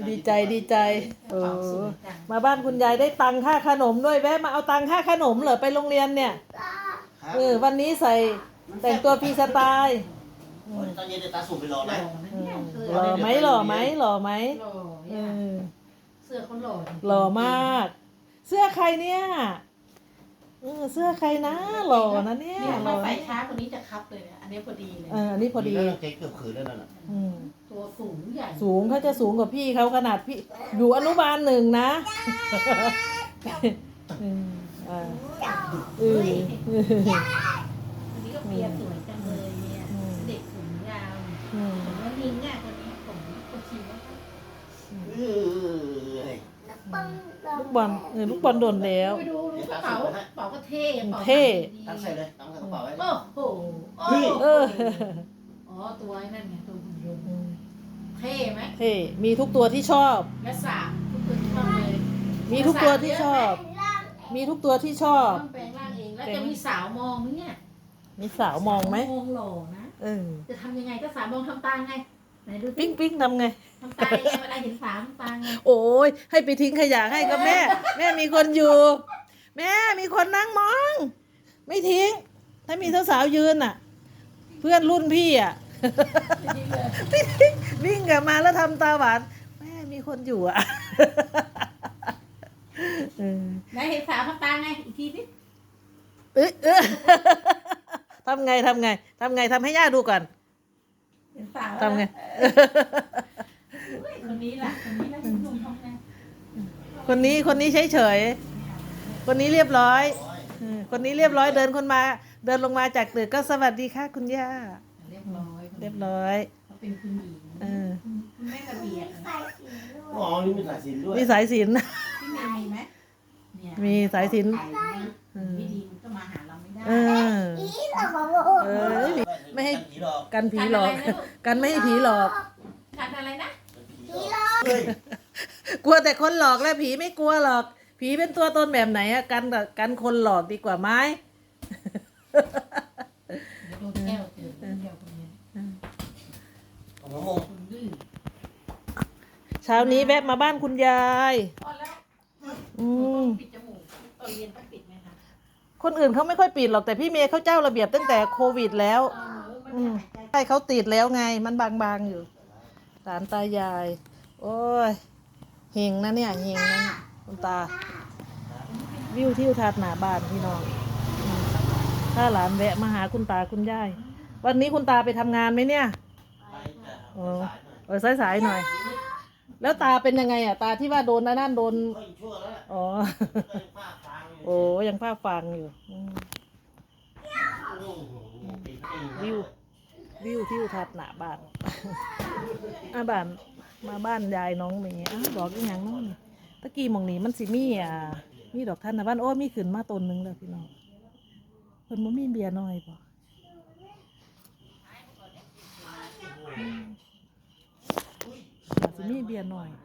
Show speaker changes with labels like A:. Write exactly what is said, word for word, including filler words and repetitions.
A: ดีใจดีใจเออมาบ้านคุณยายได้ตังค่าขนมด้วยแวะมาเอาตังค่าขนมเหรอไปโรงเรียนเนี่ยเออวันนี้ใส่แต่งตัวฟรีสไตล์
B: ตอนเย็นเดี๋ยวตาสูบไปรอไหม
A: หล่อไหมหล่อไหมหล่อไหม
C: หล่อ
A: เอ
C: เนี่ย
A: อ
C: เสื้อเขาหล่อ
A: หล่อมาก เสื้อใครเนี่ยเออเสื้อใครนะหล่อนะเนี่ย
C: เนี่ย
A: หล่
C: ถ้า
A: อ
C: ใส่ช้าคนนี้จะคับเลยเนี่ยอันนี้พอดีเลย
A: เอออันนี้พอดี
B: เจ๊เกือบขืนแล้วนั่นน่ะ
A: อืม
C: ตัวสูงใหญ่
A: สูงเขาจะสูงกว่าพี่เขาขนาดพี่อยู่อนุบาลหนึ่งนะอืมอ่าเออ
C: อันนี้ก็เปียสวยจังเลยเนี่ยเด็กผมยาว
A: อืม
C: ผมว่าลิงอ่ะคนนี้ผมคนชีวะ
B: เออ
A: ลูกบอลเออลูกบอลโดนแล้ว
C: ไปดูดูกระเป๋ากระเป๋าก็เท่กระเป๋า
A: เท่
B: ตั้งใส่เลยตั้งใส่กระเป๋าไว้
C: โอ้โหโอ้
A: เออ
C: อ๋อตัวไอ้นั่นไงตัวหุ่นยนต์
A: อืม
C: เท่ไหม
A: เท่มีทุกตัวที่ชอบ
C: และสามทุกคนชอบเลย
A: มีทุกตัวที่ชอบ มีทุกตัวที่ชอบ
C: ต้องแปลงร่างเองแล้วจะมีสาวมองไหมเนี่ย
A: มีสาวมองไหม
C: มองหล่อนะ
A: เออ
C: จะทำยังไงก็สาวมองทำตาไงไหนดูสิ
A: ปิ๊งปิ๊งทำไง
C: ทำตายังไงเวลาเห็นสาวทำตาไง
A: โอ้ยให้ไปทิ้งขยะให้ก็แม่ แม่มีคนอยู่ แม่มีคนนั่งมอง ไม่ทิ้ง ถ้ามีสาวๆยืนอ่ะ เพื่อนรุ่นพี่อ่ะ ไม่ทิ้งวิ่งกลับมาแล้วทำตาหวานแม่มีคนอยู่อ่ะเออ
C: ไหนเห็นสาวทำตาไงอีกทีสิ
A: เอ้ยเออทำไงทำไงทำไงทำให้ย่าดูก่อน
C: เห็นสาว
A: ทำไง
C: เฮ้ยคนนี้ล่ะคนนี้ล่ะคุณหนุ่มทำไง
A: คนนี้คนนี้เฉยเฉยๆคนนี้เรียบร้อยเออคนนี้เรียบร้อยเดินคนมา เดินลงมาจากตึกก็สวัสดีค่ะคุณย่า
C: เรียบร้อย
A: เรียบร้อย
C: เขาเป็นคุณหญิง
A: เออ
C: คุณแม่ระเบียบ
B: อ๋อนี่มีสายสิญจนด้วย
A: มีสายสิญจน
C: พี่เมย์มีไหมเนี่ย
A: มีสายสิญจน
C: ไม่ดีมันก็มาหาเราไม่ได้
A: เออเออไม่ให้
B: ผีหลอก
A: กันผีหลอก กันไม่ให้ผีหลอก
C: กันอะไรนะ
B: ผีหลอกเฮ้ย
A: กลัวแต่คนหลอกแล้วผีไม่กลัวหรอก ผีเป็นตัวตนแบบไหนอะกันกับกันคนหลอกดีกว่าไหม
C: โดนแก้วเจอแก้วคนนี้
B: ของน้องมง
C: คนดื้อ
A: เช้านี้แวะมาบ้านคุณยาย
C: พอแล้ว
A: อืม
C: ปิดจมูกตอนเรียนต้องปิดไหมคะ
A: คนอื่นเขาไม่ค่อยปิดหรอกแต่พี่เมย์เขาเจ้าระเบียบตั้งแต่โควิดแล้ว
C: เออมัน
A: อืม
C: หายใจ
A: ใช่เขาติดแล้วไง มันบางๆอยู่หลานตายาย โอ้ยเฮงนะเนี่ยเฮงนะเนี่ยคุณตา วิวทิวทัศน์หน้าบ้านพี่น้องอืมถ้าหลานแวะมาหาคุณตาคุณยาย วันนี้คุณตาไปทำงานไหมเนี่ย
B: ไปจ้ะ
A: เออเออสายๆหน่อย แล้วตาเป็นยังไงอ่ะ ตาที่ว่าโดนนะนั่นโดน
B: ก็อีกชั่วแล้วแหละ
A: อ๋อ
B: ก็ยังภาคกลางอยู่
A: โอ้ยังภาคฟังอยู่อืม
B: โอ้โหปีปี
A: วิว วิวทิวทัศน์หน้าบ้าน อ่ะบ้านมาบ้านยายน้องเมย์อ้าวบอกอีกอย่างน้องนี่ตะกี้หมองนี้มันสิมีอ่ะมีดอกทานตะวันโอ้มีขึ้นมาต้นหนึงแล้วพี่น้องเพิ่นบ่มีเบียร์น้อยบ่อืมอาจสิมีเบียร์น้อย